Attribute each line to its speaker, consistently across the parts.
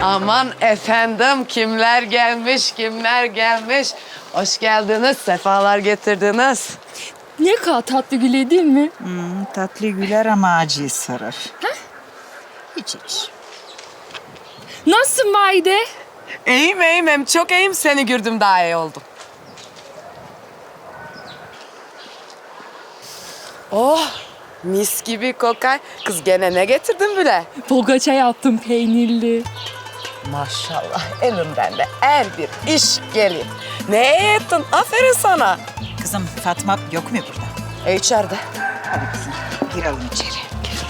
Speaker 1: Aman efendim, kimler gelmiş, kimler gelmiş. Hoş geldiniz, sefalar getirdiniz.
Speaker 2: Ne kadar tatlı güle değil mi?
Speaker 3: Tatlı güler ama acıyı sarır. Hiç.
Speaker 2: Nasılsın Vahide?
Speaker 1: İyiyim, hem çok iyiyim. Seni gördüm, daha iyi oldum. Oh, mis gibi kokar. Kız gene ne getirdin bile?
Speaker 2: Poğaça yaptım peynirli.
Speaker 1: Maşallah, elimden de her bir iş geliyor. Ne ettin? Aferin sana.
Speaker 3: Kızım Fatma yok mu burada?
Speaker 1: İçeride.
Speaker 3: Hadi kızım girelim içeri.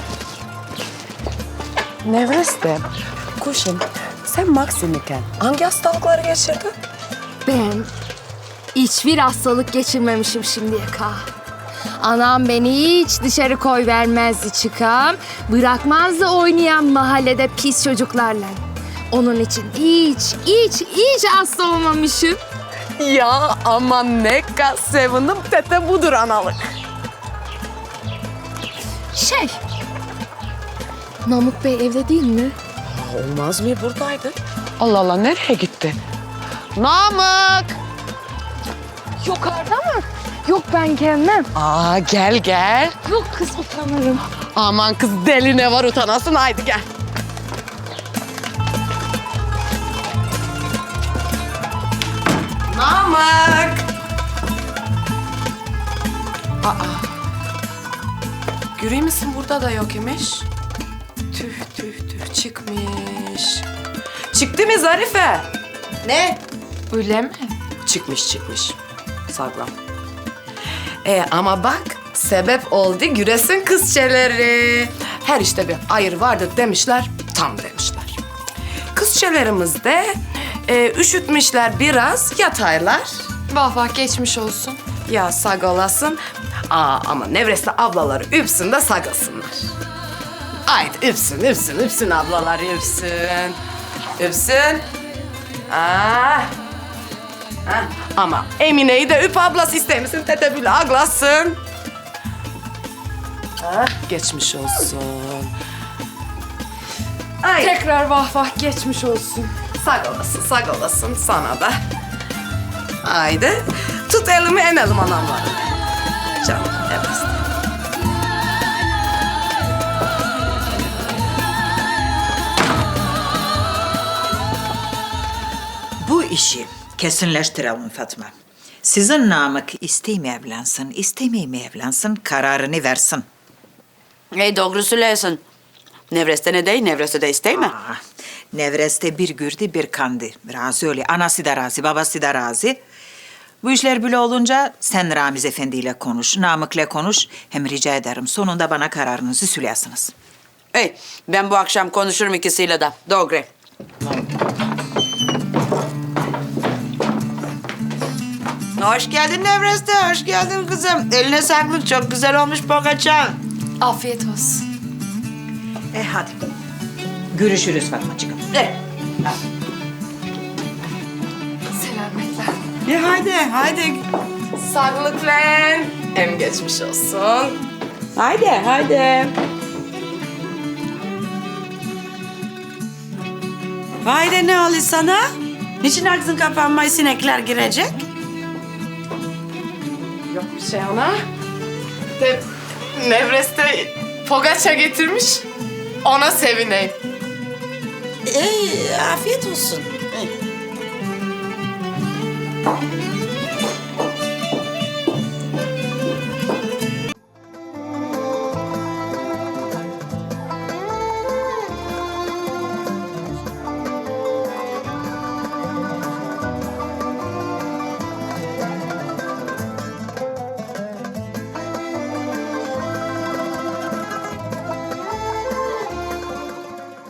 Speaker 1: Nevrestem, kuşum, sen Maksim iken hangi hastalıkları geçirdin?
Speaker 4: Ben hiçbir hastalık geçirmemişim şimdiye kadar. Anam beni hiç dışarı koy vermezdi çıkam. Bırakmazdı oynayan mahallede pis çocuklarla. Onun için hiç hasta olmamışım.
Speaker 1: Ya aman ne kadar sevindim, tete budur analık.
Speaker 4: Namık Bey evde değil mi?
Speaker 1: Olmaz mı, buradaydı? Allah Allah, nereye gitti? Namık!
Speaker 4: Yukarıda mı? Yok ben gelmem.
Speaker 1: Aa, gel.
Speaker 4: Yok kız utanırım.
Speaker 1: Aman kız, deli ne var utanasın, haydi gel. Namık! Aa, görüyor musun, burada da yok imiş. Tüh, çıkmış. Çıktı mı Zarife?
Speaker 3: Ne?
Speaker 4: Öyle mi?
Speaker 1: Çıkmış. Saklan. Ama bak, sebep oldu güresin kızçeleri. Her işte bir hayır vardır demişler, tam demişler. Kızçelerimiz de üşütmüşler biraz, yataylar.
Speaker 4: Vah geçmiş olsun.
Speaker 1: Ya sag olasın. Ama Nevres'te ablaları üpsün de sagasınlar. Haydi üpsün ablalar, üpsün. Ama Emine'yi de üp ablası ister misin? Tete bile aglasın. Geçmiş olsun. Ay,
Speaker 4: Tekrar vah geçmiş olsun.
Speaker 1: sag olasın sana da. Haydi, tut elimi enelim anamla. Canım, evet.
Speaker 3: Bu işi kesinleştirelim Fatma. Sizin Namık isteyme evlensin, istemeyme evlensin kararını versin.
Speaker 5: Doğru söylüyorsun. Nevreste ne değil, nevreste de isteyme.
Speaker 3: Nevreste bir gürdü bir kandı. Razı öyle. Anası da razı, babası da razı. Bu işler böyle olunca sen Ramiz Efendi ile konuş, Namık'la konuş. Hem rica ederim sonunda bana kararınızı söyleyesiniz.
Speaker 5: Ben bu akşam konuşurum ikisiyle de. Doğru. Hoş geldin Nevreste, hoş geldin kızım. Eline sağlık, çok güzel olmuş poğaçan.
Speaker 4: Afiyet olsun.
Speaker 3: Hadi. Görüşürüz Fatmacığım.
Speaker 4: Selametle.
Speaker 5: Haydi.
Speaker 1: Sağlıkla. Hem geçmiş olsun.
Speaker 5: Haydi. Haydi ne oluyor sana? Niçin ağzın kapanmayı sinekler girecek?
Speaker 1: Yok bir şey ana. Nevres'te poğaça getirmiş. Ona sevineyim.
Speaker 5: Afiyet olsun.